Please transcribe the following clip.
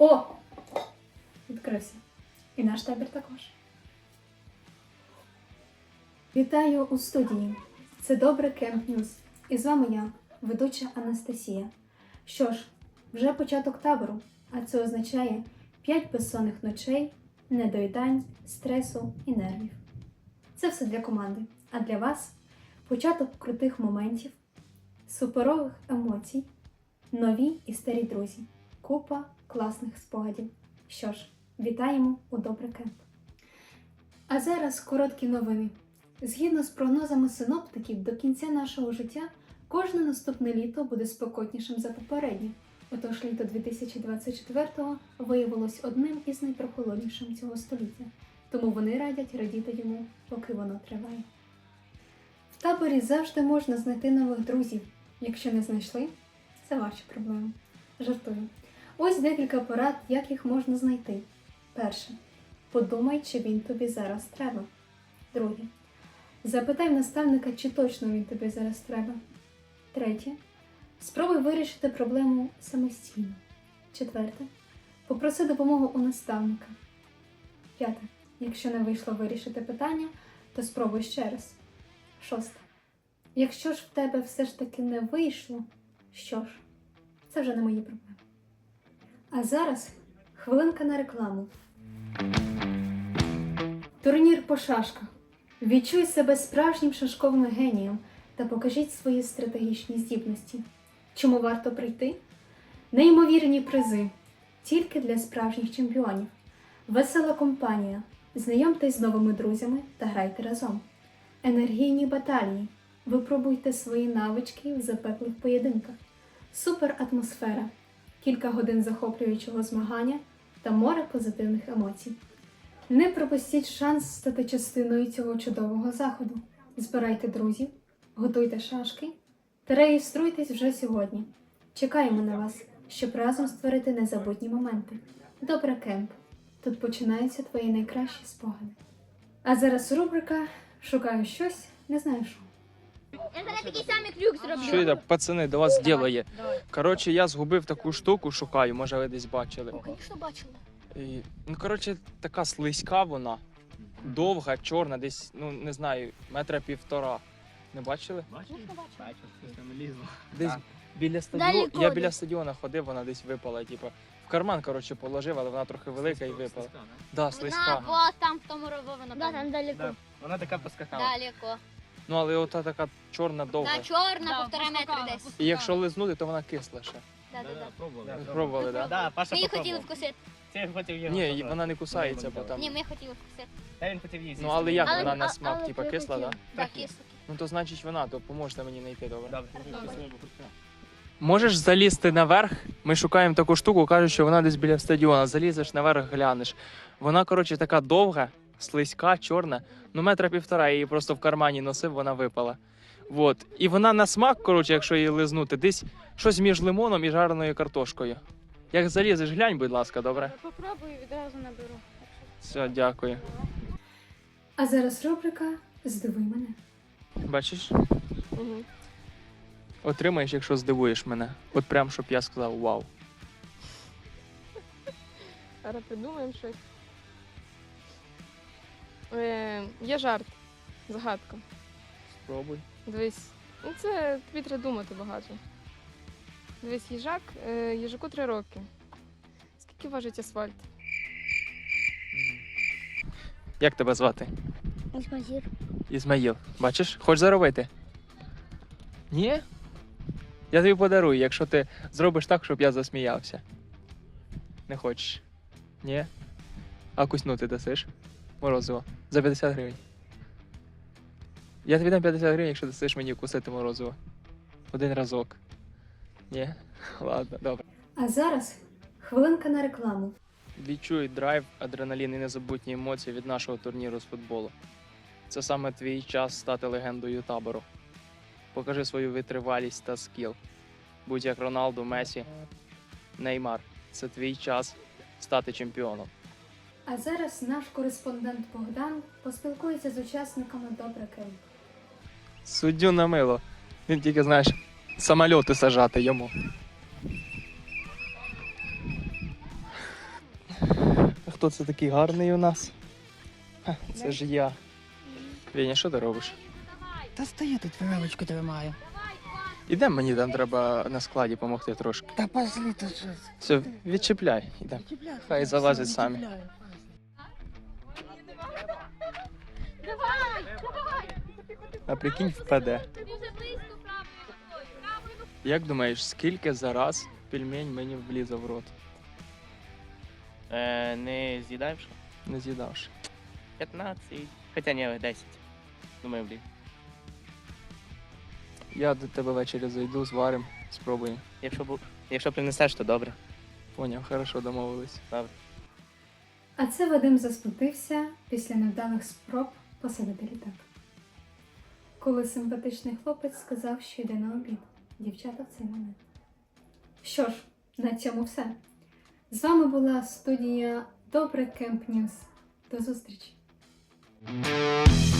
О! Відкрився. І наш табір також. Вітаю у студії. Це Добре Кемп Ньюз. І з вами я, ведуча Анастасія. Що ж, вже початок табору, а це означає 5 безсонних ночей, недоїдань, стресу і нервів. Це все для команди, а для вас початок крутих моментів, суперових емоцій, нові і старі друзі, купа класних спогадів. Що ж, вітаємо у Добре Кемп. А зараз короткі новини. Згідно з прогнозами синоптиків, до кінця нашого життя кожне наступне літо буде спекотнішим за попереднє. Отож, літо 2024-го виявилось одним із найпрохолоднішим цього століття. Тому вони радять радіти йому, поки воно триває. В таборі завжди можна знайти нових друзів. Якщо не знайшли, це ваші проблеми. Жартую. Ось декілька порад, як їх можна знайти. Перше. Подумай, чи він тобі зараз треба. Друге. Запитай в наставника, чи точно він тобі зараз треба. Третє. Спробуй вирішити проблему самостійно. Четверте. Попроси допомогу у наставника. П'яте. Якщо не вийшло вирішити питання, то спробуй ще раз. Шосте. Якщо ж в тебе все ж таки не вийшло, що ж, це вже не мої проблеми. А зараз хвилинка на рекламу. Турнір по шашках. Відчуй себе справжнім шашковим генієм та покажіть свої стратегічні здібності. Чому варто прийти? Неймовірні призи. Тільки для справжніх чемпіонів. Весела компанія. Знайомтесь з новими друзями та грайте разом. Енергійні баталії. Випробуйте свої навички в запеклих поєдинках. Супер атмосфера. Кілька годин захоплюючого змагання та море позитивних емоцій. Не пропустіть шанс стати частиною цього чудового заходу. Збирайте друзів, готуйте шашки та реєструйтесь вже сьогодні. Чекаємо на вас, щоб разом створити незабутні моменти. Добре Кемп. Тут починаються твої найкращі спогади. А зараз рубрика «Шукаю щось, не знаю що». Я зараз такий самий крюк зроблю. Що це, пацани, до вас діло є. Коротше, я згубив таку штуку, шукаю, може ви десь бачили. Звісно, бачила. І, ну, коротше, така слизька вона, довга, чорна, десь, ну, не знаю, 1,5 метра. Не бачили? Звісно, бачила. Щось там лізло. Десь біля стадіону, Далеко я десь. біля стадіону ходив, вона десь випала, типу, в карман, коротше, положив, але вона трохи велика і випала. Да, слизька. Вона вот там в тому ровові, напевно. Да, там далеко. Да. Вона така поскакала. Далеко. Ну, але ота така чорна, довга. Та чорна, 1,5 метри десь. І якщо лизнути, то вона кисла ще. Да. Пробували. Пробували, так? Да, Паша Ми її хотіли попробував. вкусити. Це хотів його. Ні, і попробувати. вона не кусається, бо там. Ні, ми хотіли вкусити. Та він хотів їсти. Ну, але як Але- вона на а- смак, але типа ти кисла, хотів. так? Да, Трохи. кисло. Ну то значить вона, то поможете мені знайти, добре. Добре. Можеш залізти наверх, ми шукаємо таку штуку, кажуть, що вона десь біля стадіона, залізеш наверх, глянеш. Вона, коротше, така довга, слизька, чорна, ну 1,5 метра, я її просто в кармані носив, вона випала. Вот. І вона на смак, коротше, якщо її лизнути, десь щось між лимоном і жареною картошкою. Як залізеш, глянь, будь ласка, добре? Попробую, відразу наберу. Все, дякую. А зараз рубрика «Здивуй мене». Бачиш? Отримаєш, якщо здивуєш мене. От прям, щоб я сказав вау. Зараз придумаємо щось. Є жарт, загадка. Спробуй. Дивись, ну це тобі треба думати багато. Дивись, їжак, їжаку 3 роки. Скільки важить асфальт? Як тебе звати? Ізмазір. Ізмаїл. Бачиш? Хочеш заробити? Ні? Я тобі подарую, якщо ти зробиш так, щоб я засміявся. Не хочеш? Ні? А куснути дасиш? Морозиво. За 50 гривень. Я тобі дам 50 гривень, якщо дасиш мені кусити морозиво. Один разок. Ні? Ладно, добре. А зараз хвилинка на рекламу. Відчуй драйв, адреналін і незабутні емоції від нашого турніру з футболу. Це саме твій час стати легендою табору. Покажи свою витривалість та скіл. Будь як Роналду, Месі, Неймар. Це твій час стати чемпіоном. А зараз наш кореспондент Богдан поспілкується з учасниками Добре Кемп. Суддю на мило. Він тільки, знаєш, самольоти сажати йому. хто це такий гарний у нас? Ха, це ж я. Веня, що ти робиш? Та стою тут веревочку тримаю. Ідемо, мені там треба на складі допомогти трошки. Та пошли тут щось. Все, відчіпляй, ідемо. Хай залазять самі. А прикинь, впаде. Як думаєш, скільки за раз пельмень мені влізе в рот? Не з'їдаєш? Не з'їдавши. 15. Хоча ні, 10. Думаю, блін. Я до тебе ввечері зайду, зварим, спробуємо. Якщо принесеш, то добре. Поняв, хорошо, домовились. А це Вадим засмутився після невдалих спроб посадити літак. Коли симпатичний хлопець сказав, що йде на обід. Дівчата в цей момент. Що ж, на цьому все. З вами була студія Добре Кемп Ньюз. До зустрічі!